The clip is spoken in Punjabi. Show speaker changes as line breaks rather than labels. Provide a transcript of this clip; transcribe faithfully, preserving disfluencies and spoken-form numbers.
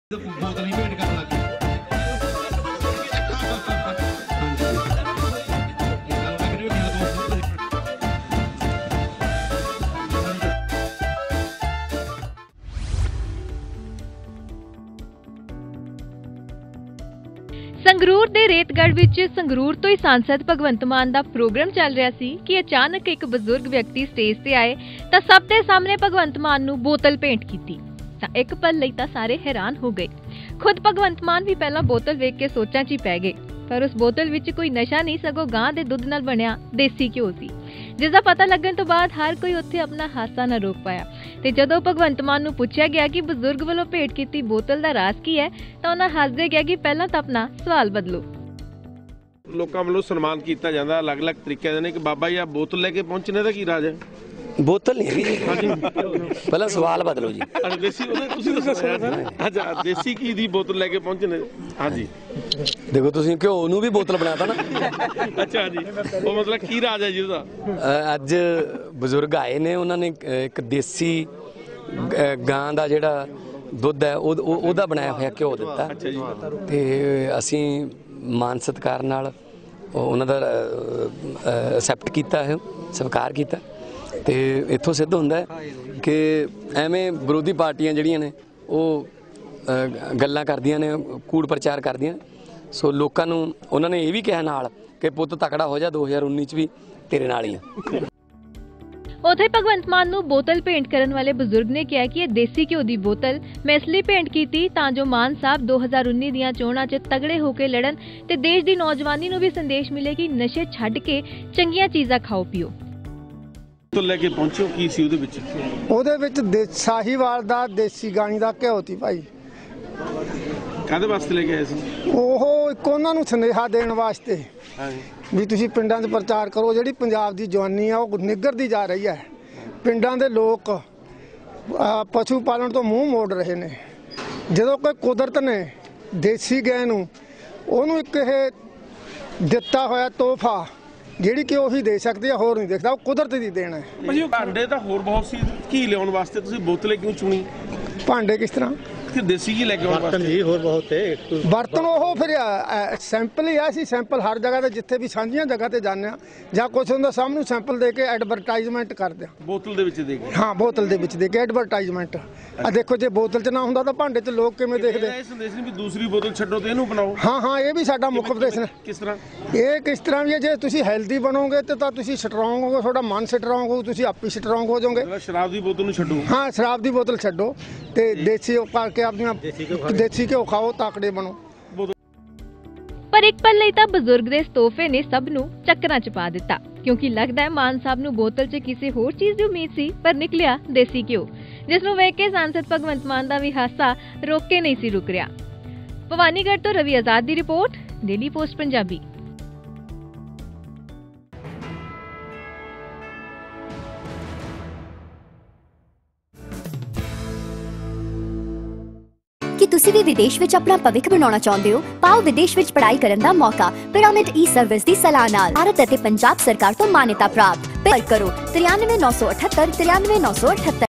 बोतल ही भेंट करन लग गए।
ਸੰਗਰੂਰ ਦੇ ਰੇਤਗੜ੍ਹ ਵਿੱਚ ਸੰਗਰੂਰ ਤੋਂ ਹੀ सांसद ਭਗਵੰਤ ਮਾਨ ਦਾ ਪ੍ਰੋਗਰਾਮ ਚੱਲ ਰਿਹਾ ਸੀ ਕਿ ਅਚਾਨਕ ਇੱਕ ਬਜ਼ੁਰਗ ਵਿਅਕਤੀ ਸਟੇਜ ਤੇ ਆਏ ਤਾਂ ਸਭ ਦੇ ਸਾਹਮਣੇ ਭਗਵੰਤ ਮਾਨ ਨੂੰ ਬੋਤਲ ਭੇਂਟ ਕੀਤੀ ਤਾਂ ਇੱਕ ਪਲ ਲਈ ਤਾਂ ਸਾਰੇ ਹੈਰਾਨ ਹੋ ਗਏ। ਖੁਦ ਭਗਵੰਤ ਮਾਨ ਵੀ ਪਹਿਲਾਂ ਬੋਤਲ ਵੇਖ ਕੇ ਸੋਚਾਂ 'ਚ ਹੀ ਪੈ ਗਏ, ਪਰ ਉਸ ਬੋਤਲ ਵਿੱਚ ਕੋਈ ਨਸ਼ਾ ਨਹੀਂ ਸਗੋਂ ਗਾਂ ਦੇ ਦੁੱਧ ਨਾਲ ਬਣਿਆ ਦੇਸੀ ਘਿਓ ਸੀ, ਜਿਸ ਦਾ ਪਤਾ ਲੱਗਣ ਤੋਂ ਬਾਅਦ ਹਰ ਕੋਈ ਉੱਥੇ ਆਪਣਾ ਹਾਸਾ ਨਾ ਰੋਕ ਪਾਇਆ। ਤੇ ਜਦੋਂ ਭਗਵੰਤ ਮਾਨ ਨੂੰ ਪੁੱਛਿਆ ਗਿਆ ਕਿ ਬਜ਼ੁਰਗ ਵੱਲੋਂ ਭੇਟ ਕੀਤੀ ਬੋਤਲ ਦਾ ਰਾਜ਼ ਕੀ ਹੈ ਤਾਂ ਉਹਨਾਂ ਹੱਸਦੇ ਕਿਹਾ ਕਿ ਪਹਿਲਾਂ ਤਾਂ ਆਪਣਾ ਸਵਾਲ ਬਦਲੋ।
ਲੋਕਾਂ ਵੱਲੋਂ ਸਨਮਾਨ ਕੀਤਾ ਜਾਂਦਾ ਅਲੱਗ-ਅਲੱਗ ਤਰੀਕਿਆਂ ਦੇ ਨੇ ਕਿ ਬਾਬਾ ਜੀ ਆ ਬੋਤਲ ਲੈ ਕੇ ਪਹੁੰਚਣੇ ਦਾ ਕੀ ਰਾਜ ਹੈ?
बोतल नहीं है जी, पहले सवाल बदलो जी।
ਅਰੇ ਦੇਸੀ ਉਹਨੇ ਤੁਸੀਂ ਦੱਸਿਆ ਅੱਛਾ ਦੇਸੀ ਕੀ ਦੀ ਬੋਤਲ ਲੈ ਕੇ ਪਹੁੰਚਣੇ? ਹਾਂਜੀ
देखो तुसीं घ्यो नूं भी बोतल बनाता ना।
ਅੱਛਾ ਜੀ, ਉਹ ਮਤਲਬ ਕੀ ਰਾਜ ਹੈ ਜੀ ਉਹਦਾ?
ਅੱਜ ਬਜ਼ੁਰਗ ਆਏ ਨੇ, ਉਹਨਾਂ ਨੇ ਇੱਕ ਦੇਸੀ ਗਾਂ ਦਾ ਜਿਹੜਾ ਦੁੱਧ ਹੈ ਉਹਦਾ ਬਣਾਇਆ ਹੋਇਆ ਘਿਓ ਦਿੱਤਾ ਤੇ ਅਸੀਂ ਮਾਨ ਸਤਿਕਾਰ ਨਾਲ ਉਹਨਾਂ ਦਾ ਐਕਸੈਪਟ ਕੀਤਾ ਹੈ, ਸਵੀਕਾਰ ਕੀਤਾ। ਤੇ ਇੱਥੋਂ ਸਿੱਧ ਹੁੰਦਾ ਕਿ ਐਵੇਂ ਵਿਰੋਧੀ ਪਾਰਟੀਆਂ ਜਿਹੜੀਆਂ ਨੇ ਉਹ ਗੱਲਾਂ ਕਰਦੀਆਂ ਨੇ, ਕੂੜ ਪ੍ਰਚਾਰ ਕਰਦੀਆਂ ਨੇ। ਸੋ ਲੋਕਾਂ ਨੂੰ ਉਹਨਾਂ ਨੇ ਇਹ ਵੀ ਕਿਹਾ ਨਾਲ ਕਿ ਪੁੱਤ ਤਕੜਾ ਹੋ ਜਾ, ਦੋ ਹਜ਼ਾਰ ਉੱਨੀ ਚ ਵੀ ਤੇਰੇ ਨਾਲ ਹੀ ਆ।
ਉੱਥੇ ਭਗਵੰਤ ਮਾਨ ਨੂੰ ਬੋਤਲ ਭੇਂਟ ਕਰਨ ਵਾਲੇ ਬਜ਼ੁਰਗ ਨੇ ਕਿਹਾ ਕਿ ਇਹ ਦੇਸੀ ਘਿਓ ਦੀ ਬੋਤਲ ਮੈਂ ਇਸ ਲਈ ਭੇਂਟ ਕੀਤੀ ਤਾਂ ਜੋ ਮਾਨ ਸਾਹਿਬ ਦੋ ਹਜ਼ਾਰ ਉੱਨੀ ਦੀਆਂ ਚੋਣਾਂ 'ਚ ਤਗੜੇ ਹੋ ਕੇ ਲੜਨ ਤੇ ਦੇਸ਼ ਦੀ ਨੌਜਵਾਨੀ ਨੂੰ ਵੀ ਸੰਦੇਸ਼ ਮਿਲੇ ਕਿ ਨਸ਼ੇ ਛੱਡ ਕੇ ਚੰਗੀਆਂ ਚੀਜ਼ਾਂ ਖਾਓ ਪੀਓ।
ਬੋਤਲ ਲੈ ਕੇ ਪਹੁੰਚੋ, ਕੀ ਸੀ ਉਹਦੇ ਵਿੱਚ?
ਉਹਦੇ ਵਿੱਚ ਸਾਹੀਵਾਲ ਦਾ ਦੇਸੀ ਗਾਣੀ ਦਾ ਘਿਓ ਸੀ ਭਾਈ।
ਕਾਹਦੇ ਵਾਸਤੇ ਲੈ ਕੇ ਆਏ ਸੀ?
ਉਹ ਇੱਕ ਉਹਨਾਂ ਨੂੰ ਸੁਨੇਹਾ ਦੇਣ ਵਾਸਤੇ ਵੀ ਤੁਸੀਂ ਪਿੰਡਾਂ 'ਚ ਪ੍ਰਚਾਰ ਕਰੋ। ਜਿਹੜੀ ਪੰਜਾਬ ਦੀ ਜਵਾਨੀ ਆ ਉਹ ਨਿੱਘਰਦੀ ਜਾ ਰਹੀ ਹੈ। ਪਿੰਡਾਂ ਦੇ ਲੋਕ ਪਸ਼ੂ ਪਾਲਣ ਤੋਂ ਮੂੰਹ ਮੋੜ ਰਹੇ ਨੇ। ਜਦੋਂ ਕੋਈ ਕੁਦਰਤ ਨੇ ਦੇਸੀ ਗਾਂ ਨੂੰ ਉਹਨੂੰ ਇੱਕ ਇਹ ਦਿੱਤਾ ਹੋਇਆ ਤੋਹਫਾ ਜਿਹੜੀ ਕਿ ਉਹੀ ਦੇ ਸਕਦੀ ਆ, ਹੋਰ ਨਹੀਂ ਦੇਖਦਾ, ਉਹ ਕੁਦਰਤ ਦੀ ਦੇਣ ਹੈ।
ਭਾਜੀ ਭਾਂਡੇ ਤਾਂ ਹੋਰ ਬਹੁਤ ਸੀ, ਕੀ ਲਿਆਉਣ ਵਾਸਤੇ ਤੁਸੀਂ ਬੋਤਲ ਕਿਉਂ ਚੁਣੀ?
ਭਾਂਡੇ ਕਿਸ ਤਰ੍ਹਾਂ
ਕਿ ਦੇਸੀ ਕੀ ਲੈ ਕੇ ਆਉਣ ਵਾਸਤੇ?
ਹੋਰ ਬਹੁਤ ਹੈ ਬਰਤਨ। ਉਹ ਫਿਰ ਸੈਂਪਲ ਹੀ ਆ, ਸੀ ਸੈਂਪਲ ਹਰ ਜਗ੍ਹਾ ਤੇ ਜਿੱਥੇ ਵੀ ਸਾਂਝੀਆਂ ਜਗ੍ਹਾ ਤੇ ਜਾਂਦੇ ਆ ਜਾਂ ਕੁਛ ਹੁੰਦਾ ਸਾਹਮਣੇ ਸੈਂਪਲ ਦੇ ਕੇ ਐਡਵਰਟਾਈਜ਼ਮੈਂਟ ਕਰਦੇ ਆ।
ਬੋਤਲ ਦੇ ਵਿੱਚ ਦੇ ਕੇ? ਹਾਂ,
ਬੋਤਲ ਦੇ ਵਿੱਚ ਦੇ ਕੇ ਐਡਵਰਟਾਈਜ਼ਮੈਂਟ। ਆ ਦੇਖੋ, ਜੇ ਬੋਤਲ 'ਚ ਨਾ ਹੁੰਦਾ ਤਾਂ ਭਾਂਡੇ 'ਚ ਲੋਕ ਕਿਵੇਂ ਦੇਖਦੇ?
ਇਹ ਸੰਦੇਸ਼ ਨਹੀਂ ਵੀ ਦੂਸਰੀ ਬੋਤਲ ਛੱਡੋ ਤੇ ਇਹਨੂੰ ਬਣਾਓ?
ਹਾਂ ਹਾਂ, ਇਹ ਵੀ ਸਾਡਾ ਮੁੱਖ ਉਪਦੇਸ਼ ਹੈ।
ਕਿਸ ਤਰ੍ਹਾਂ? ਇਹ
ਕਿਸ ਤਰ੍ਹਾਂ ਵੀ ਹੈ, ਜੇ ਤੁਸੀਂ ਹੈਲਦੀ ਬਣੋਗੇ ਤੇ ਤਾਂ ਤੁਸੀਂ ਸਟਰੋਂਗ ਹੋਗੇ, ਤੁਹਾਡਾ ਮਨ ਸਟਰੋਂਗ ਹੋਊ, ਤੁਸੀਂ ਆਪੇ ਸਟਰੋਂਗ ਹੋ ਜਾਓਗੇ।
ਸ਼ਰਾਬ ਦੀ ਬੋਤਲ ਨੂੰ ਛੱਡੋ।
ਹਾਂ, ਸ਼ਰਾਬ ਦੀ ਬੋਤਲ ਛੱਡੋ ਤੇ ਦੇਸੀ ਕਰਕੇ ਆਪਣੀਆਂ ਦੇਸੀ ਘਿਓ ਖਾਓ, ਤਾਕੜੇ ਬਣੋ।
ਪਰ ਇੱਕ ਪਲ ਲਈ ਤਾਂ ਬਜ਼ੁਰਗ ਦੇ ਇਸ ਤੋਹਫੇ ਨੇ ਸਭ ਨੂੰ ਚੱਕਰਾਂ 'ਚ ਪਾ ਦਿੱਤਾ, ਕਿਉਂਕਿ ਲੱਗਦਾ ਹੈ ਮਾਨ ਸਾਹਿਬ ਨੂੰ ਬੋਤਲ 'ਚ ਕਿਸੇ ਹੋਰ ਚੀਜ਼ ਦੀ ਉਮੀਦ ਸੀ ਪਰ ਨਿਕਲਿਆ ਦੇਸੀ ਘਿਓ, ਜਿਸ ਨੂੰ ਵੇਖ ਕੇ सांसद ਭਗਵੰਤ ਮਾਨ ਦਾ ਵੀ ਹਾਸਾ ਰੋਕ ਕੇ ਨਹੀਂ ਸੀ ਰੁਕ ਰਿਹਾ। ਭਵਾਨੀਗੜ੍ਹ ਤੋਂ ਰਵੀ ਆਜ਼ਾਦ ਦੀ ਰਿਪੋਰਟ, ਡੇਲੀ ਪੋਸਟ ਪੰਜਾਬੀ।
ਕਿ ਤੁਸੀਂ ਵੀ ਵਿਦੇਸ਼ ਵਿੱਚ ਆਪਣਾ ਭਵਿੱਖ ਬਣਾਉਣਾ ਚਾਹੁੰਦੇ ਹੋ? ਪਾਓ ਵਿਦੇਸ਼ ਵਿੱਚ ਪੜ੍ਹਾਈ ਕਰਨ ਦਾ ਮੌਕਾ ਪਿਰਾਮਿਡ ਈ ਸਰਵਿਸ ਦੀ ਸਲਾਹ ਨਾਲ। ਭਾਰਤ ਅਤੇ ਪੰਜਾਬ ਸਰਕਾਰ ਤੋਂ ਮਾਨਤਾ ਪ੍ਰਾਪਤ। ਪਰ ਕਰੋ ਤਰਿਆਨਵੇਂ ਨੌ ਸੌ ਅਠੱਤਰ ਤਰਿਆਨਵੇਂ ਨੌ ਸੌ ਅਠੱਤਰ।